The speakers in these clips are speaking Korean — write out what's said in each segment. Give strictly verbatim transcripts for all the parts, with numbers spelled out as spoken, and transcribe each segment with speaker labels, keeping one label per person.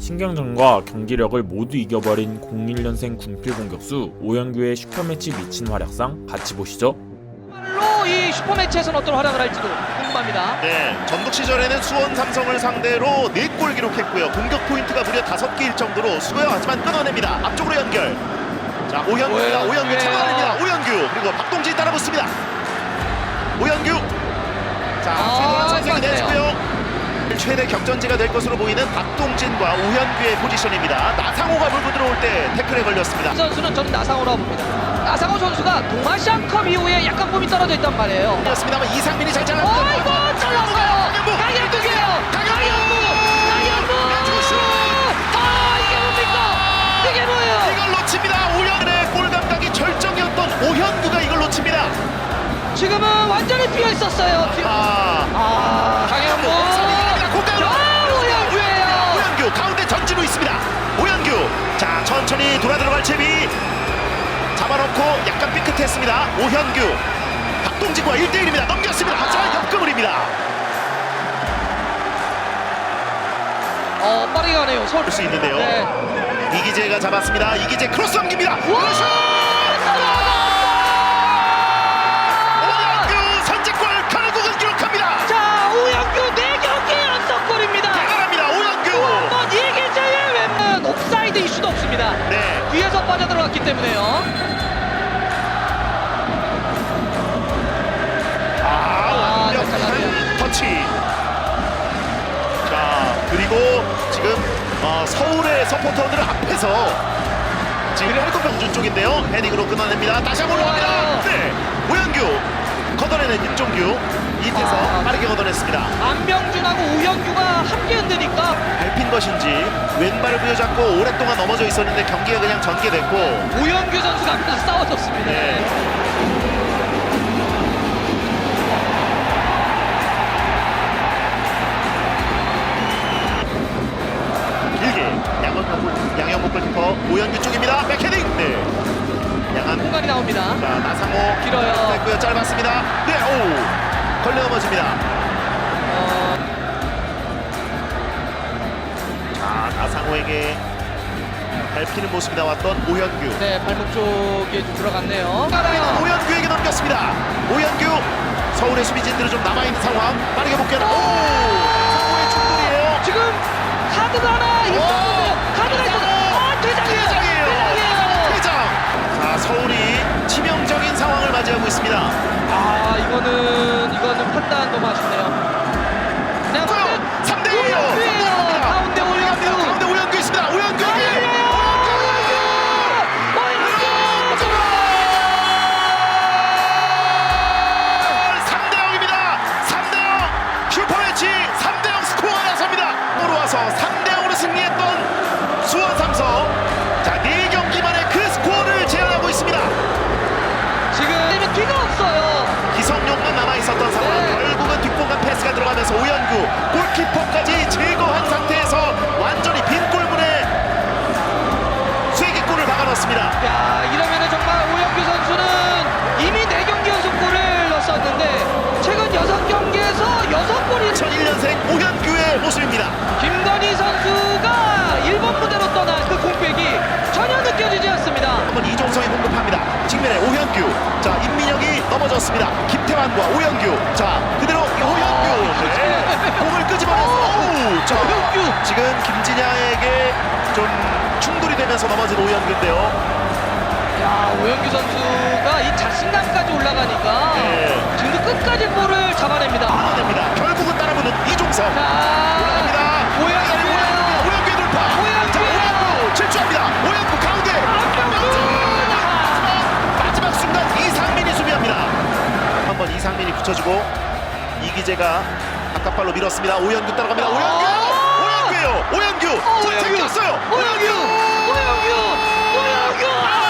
Speaker 1: 신경전과 경기력을 모두 이겨버린 공일 년생 군필 공격수 오현규의 슈퍼매치 미친 활약상 같이 보시죠.
Speaker 2: 정말로 이 슈퍼매치에서는 어떤 활약을 할지도 궁금합니다.
Speaker 3: 네, 전북 시절에는 수원 삼성을 상대로 네 골 기록했고요. 공격 포인트가 무려 다섯 개일 정도로 수고요. 하지만 끊어냅니다. 앞쪽으로 연결. 자, 오현규입니다. 오현규 차단합니다. 오현규 그리고 박동진 따라붙습니다. 오현규. 자, 최도란 선생이 내주고요. 최대 격전지가 될 것으로 보이는 박동진과 오현규의 포지션입니다. 나상호가 물고 들어올 때 태클에 걸렸습니다.
Speaker 2: 이 선수는 저는 나상호라고 봅니다. 나상호 선수가 동아시안컵 이후에 약간 몸이 떨어져 있단 말이에요.
Speaker 3: 그렇습니다만 이상민이 잘 잘랐어요.
Speaker 2: 어이구 잘랐어요. 강현무예요. 강현무. 강현무. 아 이게 뭡니까? 이게 뭐예요?
Speaker 3: 이걸 놓칩니다. 오현규의 골 감각이 절정이었던 오현규가 이걸 놓칩니다.
Speaker 2: 지금은 완전히 비어 있었어요. 지금.
Speaker 3: 아,
Speaker 2: 아 강현무. 오현규예요.
Speaker 3: 오현규 가운데 전진우 있습니다. 오현규 자 천천히 돌아 들어갈 채비 잡아놓고 약간 삐끗했습니다. 오현규 박동진과 일 대 일입니다. 넘겼습니다. 하지만 역금을입니다.
Speaker 2: 어 빠르게 가네요. 서울
Speaker 3: 볼 수 있는데요.
Speaker 2: 네.
Speaker 3: 이기재가 잡았습니다. 이기재 크로스 넘깁니다. 오현규 선제골 결국은 기록합니다.
Speaker 2: 자 오현규 네 경기 연속골입니다.
Speaker 3: 대단합니다. 오현규
Speaker 2: 한번 이기재의 왼은 옵사이드 이슈도 없습니다.
Speaker 3: 네.
Speaker 2: 뒤에서 빠져들어갔기 때문에요.
Speaker 3: 아, 완벽한 터치. 자, 그리고 지금 어, 서울의 서포터들 앞에서 지금 팔굽병준 쪽인데요. 헤딩으로 끊어냅니다. 다시 한번 올라갑니다. 네, 오현규 걷어내는 윤종규 이태서
Speaker 2: 아.
Speaker 3: 빠르게 걷어냈습니다.
Speaker 2: 안병준하고 오현규가 함께 흔드니까
Speaker 3: 밟힌 것인지 왼발을 부여잡고 오랫동안 넘어져 있었는데 경기가 그냥 전개됐고
Speaker 2: 오현규 선수가 앞에서 싸워줬습니다.
Speaker 3: 네. 길게 양현목 양현목 골키퍼 오현규 쪽입니다. 백헤딩. 네. 양한
Speaker 2: 공간이 나옵니다.
Speaker 3: 자 나상호
Speaker 2: 길어요.
Speaker 3: 됐고요. 짧았습니다. 네. 오 걸려 넘어집니다.
Speaker 2: 어,
Speaker 3: 자 나상호에게 밟히는 모습이 나왔던 오현규.
Speaker 2: 네 발목 쪽에 좀 들어갔네요. 가나요?
Speaker 3: 오현규에게 넘겼습니다. 오현규 서울의 수비진들은 좀 남아있는 상황. 빠르게 복귀하는 오 상호의 충돌이에요.
Speaker 2: 지금 카드가 하나 있었는데요. 카드가 있었는데 아 퇴장이에요.
Speaker 3: 퇴장이에요.
Speaker 2: 퇴장이에요.
Speaker 3: 퇴장. 자 서울이 치명적인 상황을 맞이하고 있습니다.
Speaker 2: 아 이거는 이거는 판단 너무 아쉽네요. 그냥
Speaker 3: 삼 대 일이에요.
Speaker 2: 오현규예요. 가운데 오현규.
Speaker 3: 가운데 오현규 있습니다. 오현규에게 삼 대 영입니다. 삼 대 영 슈퍼매치 삼 대 영 스코어가 나섭니다. 으로 와서 삼 대 영으로 승리했던 수원 삼성. 자, 네 경기 만에 그 스코어를 제한하고 있습니다.
Speaker 2: 지금 뒤가 없어요.
Speaker 3: 기성용만 남아있었던 상황.
Speaker 2: 네.
Speaker 3: 결국은 뒷공간 패스가 들어가면서 오현규 골키퍼까지 제거한 상태에서 완전히 빈 골문에 쐐기골을 박아넣습니다.
Speaker 2: 야 이러면은 정말 오현규 선수는 이미 네 경기 연속골을 넣었었는데 최근 여섯 경기에서 여섯 골이
Speaker 3: 이천일 년생 오현규의 모습입니다.
Speaker 2: 김건희 선수가 일본 무대로 떠난 그 공백이 전혀 느껴지지 않습니다.
Speaker 3: 한번 이종성이 공급합니다. 측면에 오현규. 자 임민혁이 넘어졌습니다. 김태환과 오현규. 자 그대로 오현규. 네. 공을 끄집어내서 오우. 자
Speaker 2: 오현규.
Speaker 3: 지금 김진야에게 좀 충돌이 되면서 넘어진 오현규인데요.
Speaker 2: 야 오현규 선수가 이 자신감까지 올라가니까
Speaker 3: 네.
Speaker 2: 지금도 끝까지 볼을 잡아냅니다.
Speaker 3: 끊어냅니다. 결국은 따라붙는 이종성.
Speaker 2: 자
Speaker 3: 올라갑니다.
Speaker 2: 오현규예요.
Speaker 3: 오현규의 돌파.
Speaker 2: 오현규예요.
Speaker 3: 자 오현규 질주합니다. 오현규 가운데. 마지막 순간 이상민이 수비합니다. 한번 이상민이 붙여주고 이기재가 바깥발로 밀었습니다. 오현규 따라갑니다. 오현규! 오현규예요. 오현규!
Speaker 2: 어,
Speaker 3: 자,
Speaker 2: 오현규!
Speaker 3: 챙겼어요.
Speaker 2: 오현규! 오현규! 오현규!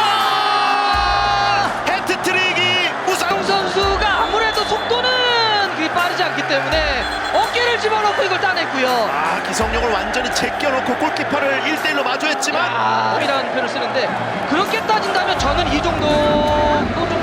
Speaker 2: 아!
Speaker 3: 해트트릭이 우상.
Speaker 2: 정 선수가 아무래도 속도는 그리 빠르지 않기 때문에 어깨를 집어넣고 이걸 따냈고요.
Speaker 3: 아, 기성용을 완전히 제껴놓고 골키퍼를 일 대 일로 마주했지만
Speaker 2: 아, 이라는 표현을 쓰는데 그렇게 따진다면 저는 이 정도 좀